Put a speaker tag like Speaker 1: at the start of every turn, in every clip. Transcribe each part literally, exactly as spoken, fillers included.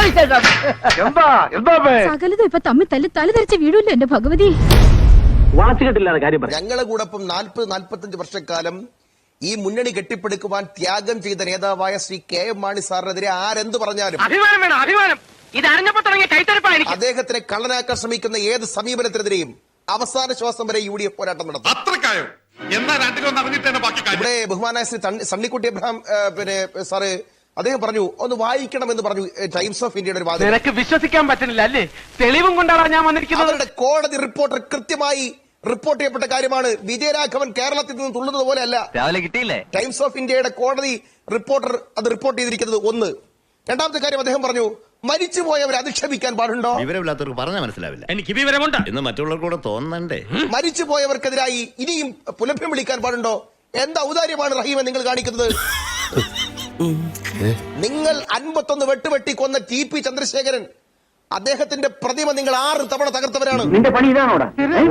Speaker 1: സകലതും ഇപ്പൊ തമ്മിൽ തല്ലി തല ധരിച്ച വീടില്ല എന്റെ ഭഗവതി.
Speaker 2: ഞങ്ങളെ കൂടൊപ്പം നാൽപ്പത് നാൽപ്പത്തഞ്ച് വർഷക്കാലം ഈ മുന്നണി കെട്ടിപ്പടുക്കുവാൻ ത്യാഗം ചെയ്ത നേതാവായ ശ്രീ കെ എം മാണി സാറിനെതിരെ ആരെന്ത് പറഞ്ഞാലും
Speaker 3: അഭിമാനം വേണം, അഭിമാനം. ഇത് അറിഞ്ഞപ്പോ തുടങ്ങിയ കൈത്തരപ്പാണ്.
Speaker 2: അദ്ദേഹത്തിനെ കള്ളനാക്കാൻ ശ്രമിക്കുന്ന ഏത് സമീപനത്തിനെതിരെയും അവസാന ശ്വാസം വരെ യു ഡി എഫ് പോരാട്ടം നടത്തും. ഇവിടെ ബഹുമാനായ ശ്രീ സണ്ണിക്കുട്ടി അബ്രഹാം പിന്നെ സാറ് അദ്ദേഹം പറഞ്ഞു ഒന്ന് വായിക്കണമെന്ന് പറഞ്ഞു ടൈംസ് ഓഫ് ഇന്ത്യയുടെ ഒരു വാദം.
Speaker 3: നിനക്ക് വിശ്വസിക്കാൻ പറ്റുന്നില്ല അല്ലേ? തെളിവും കൊണ്ടാണ് ഞാൻ വന്നിരിക്കുന്നത്.
Speaker 2: അവരുടെ കോടതി റിപ്പോർട്ടർ കൃത്യമായി റിപ്പോർട്ട് ചെയ്യപ്പെട്ട കാര്യമാണ്. വിജയരാഘവൻ കേരളത്തിൽ നിന്ന് തുള്ളുന്നത് പോലെ അല്ല.
Speaker 4: രാവിലെ കിട്ടിയില്ലേ?
Speaker 2: ടൈംസ് ഓഫ് ഇന്ത്യയുടെ കോടതി റിപ്പോർട്ടർ അത് റിപ്പോർട്ട് ചെയ്തിരിക്കുന്നത് ഒന്ന്. രണ്ടാമത്തെ കാര്യം അദ്ദേഹം പറഞ്ഞു മരിച്ചുപോയവരെ അധിക്ഷേപിക്കാൻ പാടുണ്ടോ?
Speaker 5: വിവരമില്ലാത്തവർക്ക് പറഞ്ഞാൽ മനസ്സിലാവില്ല.
Speaker 3: എനിക്ക് വിവരമുണ്ട്
Speaker 5: എന്ന് മറ്റുള്ളവർക്ക് കൂടെ തോന്നണ്ടേ?
Speaker 2: മരിച്ചുപോയവർക്കെതിരായി ഇനിയും പുലഭ്യം വിളിക്കാൻ പാടുണ്ടോ? എന്താ ഔദാര്യമാണ് റഹീമെ നിങ്ങൾ കാണിക്കുന്നത്? നിങ്ങൾ അൻപത്തൊന്ന് വെട്ടുവെട്ടി കൊന്ന ടി പി ചന്ദ്രശേഖരൻ അദ്ദേഹത്തിന്റെ പ്രതിമ നിങ്ങൾ ആറ് തവണ തകർത്തവരാണ്.
Speaker 3: നിന്റെ പണി ഇതാണോടാ?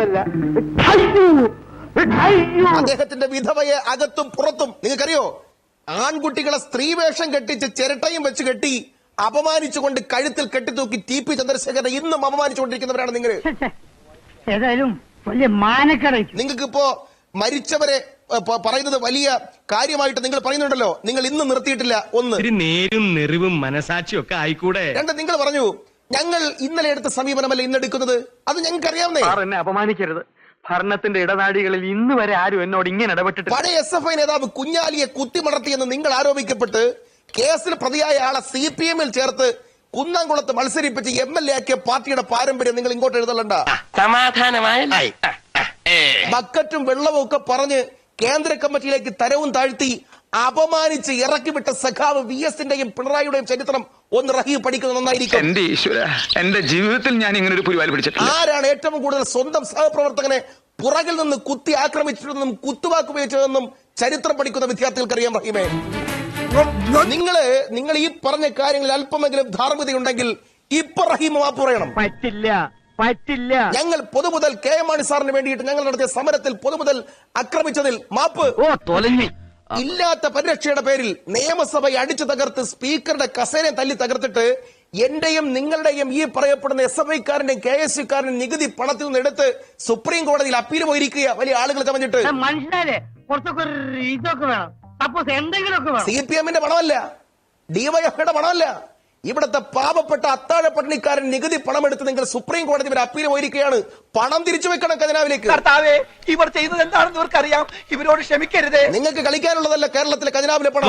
Speaker 2: അദ്ദേഹത്തിന്റെ വിധവയെ അകത്തും പുറത്തും നിങ്ങൾക്കറിയോ? ആൺകുട്ടികളെ സ്ത്രീവേഷം കെട്ടിച്ച് ചിരട്ടയും വെച്ച് കെട്ടി അപമാനിച്ചുകൊണ്ട് കഴുത്തിൽ കെട്ടിത്തൂക്കി ടി പി ചന്ദ്രശേഖരനെ ഇന്നും അപമാനിച്ചുകൊണ്ടിരിക്കുന്നവരാണ് നിങ്ങൾ.
Speaker 3: ഏതായാലും വലിയ മാനക്കട.
Speaker 2: നിങ്ങൾക്ക് ഇപ്പോ മരിച്ചവരെ പറയുന്നത് വലിയ കാര്യമായിട്ട് നിങ്ങൾ പറയുന്നുണ്ടല്ലോ, നിങ്ങൾ ഇന്ന് നിർത്തിയിട്ടില്ല. ഒന്ന്,
Speaker 6: നേരും നെറിവും മനസാക്ഷിയും ഒക്കെ ആയിക്കൂടെ.
Speaker 2: രണ്ട്, നിങ്ങൾ പറഞ്ഞു ഞങ്ങൾ ഇന്നലെ എടുത്ത സമീപനമല്ല ഇന്നെടുക്കുന്നത്. അത് ഞങ്ങൾക്ക് അറിയാവുന്നേ.
Speaker 3: എന്നെ അപമാനിക്കരുത്. ഭരണത്തിന്റെ ഇടനാടികളിൽ ഇന്ന് വരെ ആരും എന്നോട് ഇങ്ങനെ ഇടപെട്ടിട്ട്.
Speaker 2: പഴയ എസ് എഫ് ഐ നേതാവ് കുഞ്ഞാലിയെ കുത്തിമടർത്തിയെന്ന് നിങ്ങൾ ആരോപിക്കപ്പെട്ട് കേസിൽ പ്രതിയായ ആളെ സി പി എമ്മിൽ ചേർത്ത് കുന്നംകുളത്ത് മത്സരിപ്പിച്ച് എം എൽ എ ആക്കിയ പാർട്ടിയുടെ പാരമ്പര്യം നിങ്ങൾ ഇങ്ങോട്ട് എഴുതലണ്ട.
Speaker 3: സമാധാനമായ
Speaker 2: ബക്കറ്റും വെള്ളവും ഒക്കെ പറഞ്ഞ് കേന്ദ്ര കമ്മിറ്റിയിലേക്ക് തരവും താഴ്ത്തി അപമാനിച്ച് ഇറക്കിവിട്ട സഖാവ് വി എസിന്റെയും പിണറായിയുടെയും ചരിത്രം ഒന്ന് റഹീം പഠിക്കുന്നത് നന്നായിരിക്കും.
Speaker 6: എന്റെ ഈശ്വര, എന്റെ ജീവിതത്തിൽ ഞാൻ ഇങ്ങനെ ഒരു പുരിവാലി പിടിച്ചിട്ടില്ല.
Speaker 2: ആരാണ് ഏറ്റവും കൂടുതൽ സ്വന്തം സഹപ്രവർത്തകനെ പുറകിൽ നിന്ന് കുത്തി ആക്രമിച്ചിട്ടുണ്ടെന്നും കുത്തുവാക്ക് ഉപയോഗിച്ചതെന്നും ചരിത്രം പഠിക്കുന്ന വിദ്യാർത്ഥികൾക്ക് അറിയാം. റഹീമേ, നിങ്ങള് നിങ്ങൾ ഈ പറഞ്ഞ കാര്യങ്ങളിൽ അല്പമെങ്കിലും ധാർമ്മികതയുണ്ടെങ്കിൽ ഇപ്പൊ റഹീം മാപ്പ് പറയണം.
Speaker 3: പറ്റില്ല, പറ്റില്ല.
Speaker 2: ഞങ്ങൾ പൊതുമുതൽ കെ എം മാണി സാറിന് വേണ്ടിയിട്ട് ഞങ്ങൾ നടത്തിയ സമരത്തിൽ പൊതുമുതൽ ആക്രമിച്ചതിൽ മാപ്പ്.
Speaker 3: ഓ തൊലഞ്ഞി.
Speaker 2: ഇല്ലാത്ത പരിരക്ഷയുടെ പേരിൽ നിയമസഭയെ അടിച്ചു തകർത്ത് സ്പീക്കറുടെ കസേരയെ തല്ലി തകർത്തിട്ട് എന്റെയും നിങ്ങളുടെയും ഈ പറയപ്പെടുന്ന എസ് എഫ് ഐക്കാരന്റെയും കെ എസ് യുക്കാരനും നികുതി പണത്തിൽ നിന്ന് എടുത്ത് സുപ്രീം കോടതിയിൽ അപ്പീൽ പോയിരിക്കുക വലിയ ആളുകൾ കമഞ്ഞിട്ട്.
Speaker 3: മനുഷ്യരെ കുറച്ചൊക്കെ ഇതൊക്കെ വേണം. സപ്പോസ് എന്തെങ്കിലുമൊക്കെ വേണം.
Speaker 2: സി പി എമ്മിന്റെ പണമല്ല, ഡിവൈഎഫ്ഐയുടെ പണമല്ല, ഇവിടുത്തെ പാവപ്പെട്ട അത്താഴ പട്ടിണിക്കാരൻ നികുതി പണമെടുത്ത് നിങ്ങൾ സുപ്രീം കോടതി വരെ അപ്പീൽ പോയിരിക്കുകയാണ്. പണം തിരിച്ചു വെക്കണം ഖജനാവിലേക്ക്.
Speaker 3: ഇവർ ചെയ്തത് എന്താണെന്ന് ഇവർക്കറിയാം. ഇവരോട് ക്ഷമിക്കരുത്.
Speaker 2: നിങ്ങൾക്ക് കളിക്കാനുള്ളതല്ല കേരളത്തിലെ ഖജനാവിലെ പണം.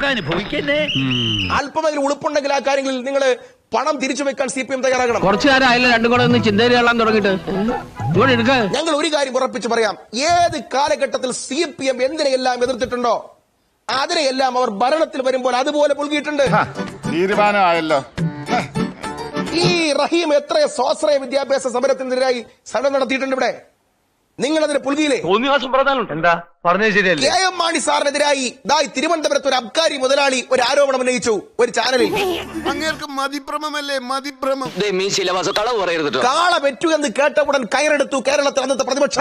Speaker 2: അല്പമെങ്കിലും ഉളുപ്പുണ്ടെങ്കിൽ ആ കാര്യങ്ങളിൽ നിങ്ങൾ പണം തിരിച്ചു വെക്കാൻ സി പി എം തയ്യാറാകണം.
Speaker 3: കുറച്ചു കാലം ആയില്ല രണ്ടും കൂടെ ഒന്ന് ചിന്തയിൽ കള്ളാൻ തുടങ്ങിയിട്ട്.
Speaker 2: ഞങ്ങൾ ഒരു കാര്യം ഉറപ്പിച്ച് പറയാം, ഏത് കാലഘട്ടത്തിൽ സി പി എം എന്തിനെയെല്ലാം എതിർത്തിട്ടുണ്ടോ അതിനെയെല്ലാം അവർ ഭരണത്തിൽ വരുമ്പോൾ അതുപോലെ പുൽകിയിട്ടുണ്ട്.
Speaker 7: തീരുമാനമായല്ലോ.
Speaker 2: ഈ റഹീം എത്ര സ്വാശ്രയ വിദ്യാഭ്യാസ സമരത്തിനെതിരായി സമരം നടത്തിയിട്ടുണ്ട് ഇവിടെ. നിങ്ങൾ അതിന് പുൽകിയില്ലേ?
Speaker 3: എന്താ പറഞ്ഞത് ശരിയല്ല.
Speaker 2: കെ എം മാണി സാറിനെതിരായി ദായി തിരുവനന്തപുരത്ത് ഒരു അബ്കാരി മുതലാളി ഒരു ആരോപണം ഉന്നയിച്ചു ഒരു ചാനലിൽ.
Speaker 7: അങ്ങേർക്ക് മതിഭ്രമല്ലേ മതിഭ്രമം.
Speaker 2: കാള പെറ്റു എന്ന് കേട്ട ഉടൻ കയറെടുത്തു കേരളത്തിൽ അന്നത്തെ പ്രതിപക്ഷം.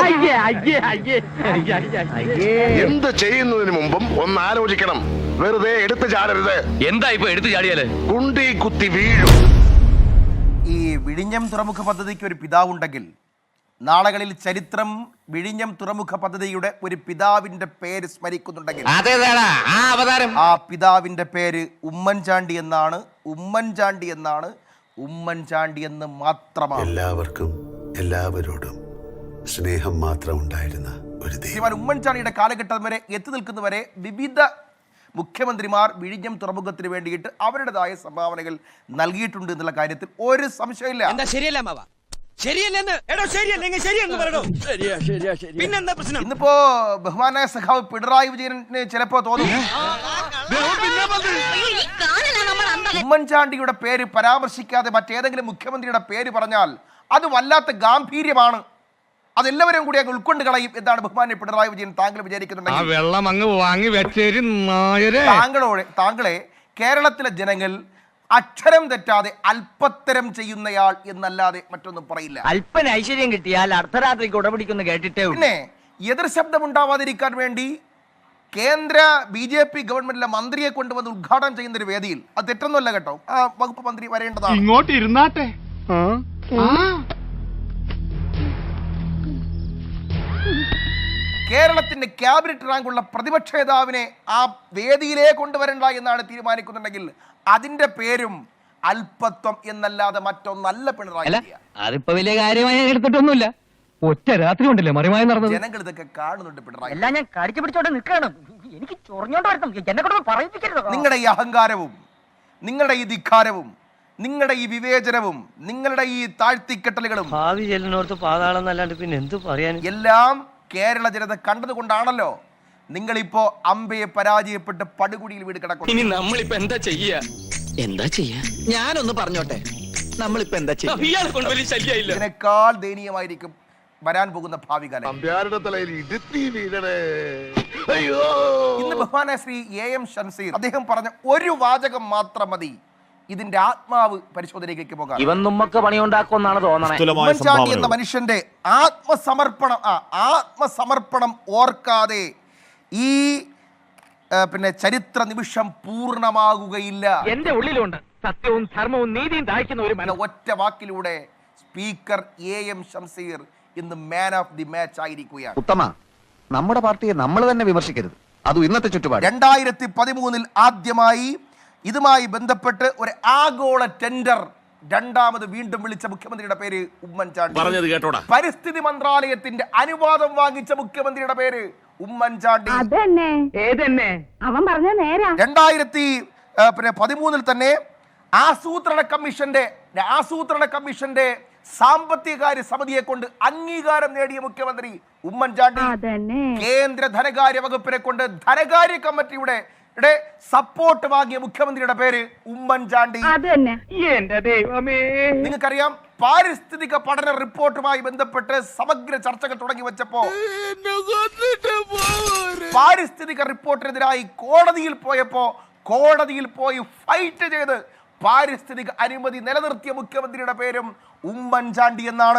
Speaker 7: എന്ത് ചെയ്യുന്നതിന് മുമ്പും ഒന്ന് ആലോചിക്കണം. വെറുതെ എടുത്തു ചാടരുത്.
Speaker 6: എന്താ ഇപ്പൊ എടുത്തു ചാടിയാല്
Speaker 7: കുണ്ടി കുത്തി വീഴും.
Speaker 2: ഈ വിഴിഞ്ഞം തുറമുഖ പദ്ധതിക്ക് ഒരു പിതാവുണ്ടെങ്കിൽ നാളുകളിൽ ചരിത്രം വിഴിഞ്ഞം തുറമുഖ പദ്ധതിയുടെ ഒരു പിതാവിന്റെ പേര് സ്മരിക്കുന്നുണ്ടെങ്കിൽ ആ പിതാവിന്റെ പേര് ഉമ്മൻചാണ്ടി എന്നാണ്. ഉമ്മൻചാണ്ടി എന്നാണ് ഉമ്മൻചാണ്ടി എന്ന് മാത്രമാണ്.
Speaker 8: എല്ലാവർക്കും എല്ലാവരോടും സ്നേഹം മാത്രം ഉണ്ടായിരുന്ന ഒരു
Speaker 2: ശ്രീമാൻ ഉമ്മൻചാണ്ടിയുടെ കാലഘട്ടം വരെ എത്തി നിൽക്കുന്നവരെ വിവിധ മുഖ്യമന്ത്രിമാർ വിഴിഞ്ഞം തുറമുഖത്തിന് വേണ്ടിയിട്ട് അവരുടേതായ സംഭാവനകൾ നൽകിയിട്ടുണ്ട് എന്നുള്ള കാര്യത്തിൽ ഒരു സംശയമില്ല. ഇന്നിപ്പോ ബഹുമാനായ സഖാവ് പിണറായി വിജയന് ചിലപ്പോ തോന്നും ഉമ്മൻചാണ്ടിയുടെ പേര് പരാമർശിക്കാതെ മറ്റേതെങ്കിലും മുഖ്യമന്ത്രിയുടെ പേര് പറഞ്ഞാൽ അത് വല്ലാത്ത ഗാംഭീര്യമാണ്, അതെല്ലാവരും കൂടി അങ്ങ് ഉൾക്കൊണ്ട് കളയും എന്താണ് ബഹുമാന്യ പിണറായി വിജയൻ താങ്കൾ വിചാരിക്കുന്നുണ്ടെങ്കിൽ താങ്കളോട് താങ്കളെ കേരളത്തിലെ ജനങ്ങൾ അക്ഷരം തെറ്റാതെ അല്പത്തരം ചെയ്യുന്നയാൾ എന്നല്ലാതെ മറ്റൊന്നും പറയില്ല.
Speaker 4: അല്പന ഐശ്വര്യം കിട്ടിയാൽ അർദ്ധരാത്രിക്ക് ഉടപിടിക്കുന്നു കേട്ടിട്ടേ.
Speaker 2: പിന്നെ എതിർ ശബ്ദം ഉണ്ടാവാതിരിക്കാൻ വേണ്ടി കേന്ദ്ര ബി ജെ പി ഗവൺമെന്റിലെ മന്ത്രിയെ കൊണ്ടുവന്ന് ഉദ്ഘാടനം ചെയ്യുന്ന ഒരു വേദിയിൽ അത് തെറ്റൊന്നുമല്ല കേട്ടോ, ആ വകുപ്പ് മന്ത്രി വരേണ്ടതാണ്.
Speaker 6: ഇങ്ങോട്ട് ഇരുന്നാട്ടെ.
Speaker 2: കേരളത്തിന്റെ ക്യാബിനറ്റ് റാങ്കുള്ള പ്രതിപക്ഷ നേതാവിനെ ആ വേദിയിലേ കൊണ്ടുവരണ്ട എന്നാണ് തീരുമാനിക്കുന്നുണ്ടെങ്കിൽ അതിന്റെ പേരും അല്പത്വം എന്നല്ലാതെ മറ്റൊന്നല്ല പിണറായി വിജയൻ.
Speaker 3: അതിപ്പോ വലിയ കാര്യമായി എടുത്തിട്ടൊന്നുമില്ല. ഒറ്റ രാത്രി കൊണ്ടല്ലേ മറിമായി നടന്നത്.
Speaker 2: ജനങ്ങൾ ഇതൊക്കെ കാണുന്നുണ്ട് പിണറായി.
Speaker 3: എല്ലാം ഞാൻ കടിച്ചു പിടിച്ചോണ്ട് നിൽക്കണം. എനിക്ക് ചൊറിഞ്ഞോണ്ട് വരണം. എന്നെ കൊണ്ട് പറയിപ്പിക്കരുത്.
Speaker 2: നിങ്ങളുടെ ഈ അഹങ്കാരവും നിങ്ങളുടെ ഈ ധിക്കാരവും നിങ്ങളുടെ ഈ വിവേചനവും നിങ്ങളുടെ ഈ താഴ്ത്തിക്കെട്ടലുകളും
Speaker 4: ഭാവി ചെല്ലിനോർത്ത് പാതാളം എന്നല്ലാണ്ട് പിന്നെ എന്ത് പറയാൻ
Speaker 2: എല്ലാം കേരള ജനത കണ്ടതുകൊണ്ടാണല്ലോ നിങ്ങളിപ്പോ അമ്പയെ പരാജയപ്പെട്ട് പടുകുടിയിൽ വീട് കിടക്കുന്നു.
Speaker 6: ഇനി നമ്മളിപ്പോ എന്താ ചെയ്യാ?
Speaker 4: എന്താ ചെയ്യാ?
Speaker 9: ഞാനൊന്ന് പറഞ്ഞോട്ടെ, നമ്മളിപ്പോ എന്താ ചെയ്യാ?
Speaker 6: ഇയാളെ കൊണ്ട് വലിയ ശല്യമില്ല.
Speaker 2: ഇതിനേക്കാൾ ദയനീയമായിരിക്കും വരാൻ പോകുന്ന ഭാവി കാലം.
Speaker 7: അമ്പ്യാരുടെ തലയിൽ ഇടുത്തി വീഴണേ. അയ്യോ,
Speaker 2: ഇന്ന് ബഹുമാന ശ്രീ എ എം ഷംസീർ അദ്ദേഹം പറഞ്ഞ ഒരു വാചകം മാത്രം മതി ഇതിന്റെ ആത്മാവ് പരിശോധനയിലേക്ക് പോകാം.
Speaker 3: ഇവൻ നമ്മക്ക് പണിയുണ്ടാക്കുമെന്നാണ് തോന്നണേ.
Speaker 2: ഉമ്മൻചാണ്ടി എന്ന മനുഷ്യന്റെ ആത്മസമർപ്പണം ആ ആത്മസമർപ്പണം ഓർക്കാതെ ഈ പിന്നെ ചരിത്ര നിമിഷം പൂർണ്ണമാകുകയില്ല.
Speaker 3: എന്റെ ഉള്ളിലുണ്ട് സത്യവും ധർമ്മവും നീതിയും ദാഹിക്കുന്ന ഒരു
Speaker 2: എന്ന ഒറ്റ വാക്കിലൂടെ സ്പീക്കർ എ എം ഷംസീർ ഇന്ന് മാൻ ഓഫ് ദി മാച്ച് ആയിരിക്കുകയാണ്.
Speaker 9: ഉത്തമ, നമ്മുടെ പാർട്ടിയെ നമ്മൾ തന്നെ വിമർശിക്കരുത്, അതും ഇന്നത്തെ ചുറ്റുപാട്.
Speaker 2: രണ്ടായിരത്തി പതിമൂന്നിൽ ആദ്യമായി ഇതുമായി ബന്ധപ്പെട്ട് ഒരു ആഗോള ടെൻഡർ രണ്ടാമത് വീണ്ടും വിളിച്ച മുഖ്യമന്ത്രിയുടെ പേര് ഉമ്മൻചാണ്ടി.
Speaker 6: പറഞ്ഞത് കേട്ടോടാ.
Speaker 2: പരിസ്ഥിതി മന്ത്രാലയത്തിന്റെ അനുവാദം വാങ്ങിച്ച മുഖ്യമന്ത്രിയുടെ പേര് ഉമ്മൻചാണ്ടി.
Speaker 1: അവൻ പറഞ്ഞ നേരാ.
Speaker 2: രണ്ടായിരത്തി പിന്നെ പതിമൂന്നിൽ തന്നെ ആസൂത്രണ കമ്മീഷന്റെ ആസൂത്രണ കമ്മീഷന്റെ സാമ്പത്തിക കാര്യ സമിതിയെ കൊണ്ട് അംഗീകാരം നേടിയ മുഖ്യമന്ത്രി ഉമ്മൻചാണ്ടി. കേന്ദ്ര ധനകാര്യ വകുപ്പിനെ കൊണ്ട് ധനകാര്യ കമ്മിറ്റിയുടെ സപ്പോർട്ട് വാങ്ങിയ മുഖ്യമന്ത്രിയുടെ പേര് ഉമ്മൻചാണ്ടി. നിങ്ങൾക്കറിയാം, പാരിസ്ഥിതിക പഠന റിപ്പോർട്ടുമായി ബന്ധപ്പെട്ട് സമഗ്ര ചർച്ചകൾ തുടങ്ങി വെച്ചപ്പോ പാരിസ്ഥിതിക റിപ്പോർട്ടിനെതിരായി കോടതിയിൽ പോയപ്പോ കോടതിയിൽ പോയി ഫൈറ്റ് ചെയ്ത് പാരിസ്ഥിതിക അനുമതി നിലനിർത്തിയ മുഖ്യമന്ത്രിയുടെ പേരും ഉമ്മൻചാണ്ടി എന്നാണ്.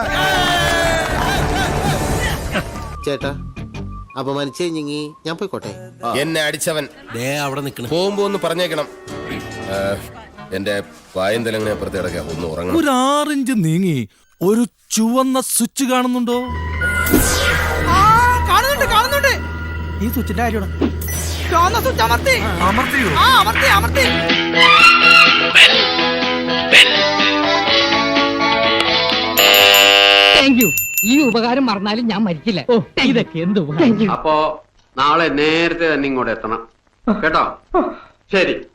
Speaker 10: ചേട്ടാ, അപമാനിച്ചേ ഞങ്ങി ഞാൻ പോയിക്കോട്ടെ.
Speaker 6: എന്നെ അടിച്ചവൻ
Speaker 10: അവിടെ നിൽക്കണം,
Speaker 6: പോകുമ്പോ ഒന്ന് പറഞ്ഞേക്കണം. എന്റെ പായന്തലങ്ങനെ അപ്പുറത്ത് കിടക്കാം, ഒന്ന് ഉറങ്ങണം.
Speaker 11: ഒരു ആറിഞ്ച് നീങ്ങി ഒരു ചുവന്ന സ്വിച്ച് കാണുന്നുണ്ടോ?
Speaker 4: കാണുന്നുണ്ട് കാണുന്നുണ്ട്.
Speaker 11: ഈ സ്വിച്ചിന്റെ കാര്യമാണ്.
Speaker 4: ചുവന്ന സ്വിച്ച് അമർത്തി
Speaker 11: അമർത്തിയോ?
Speaker 4: ആ അമർത്തി അമർത്തി.
Speaker 3: Thank you. ഈ ഉപകാരം മറന്നാലും ഞാൻ മരിക്കില്ല. ഇതൊക്കെ എന്ത്
Speaker 10: അപ്പോ നാളെ നേരത്തെ തന്നെ ഇങ്ങോട്ട് എത്തണം കേട്ടോ. ശരി.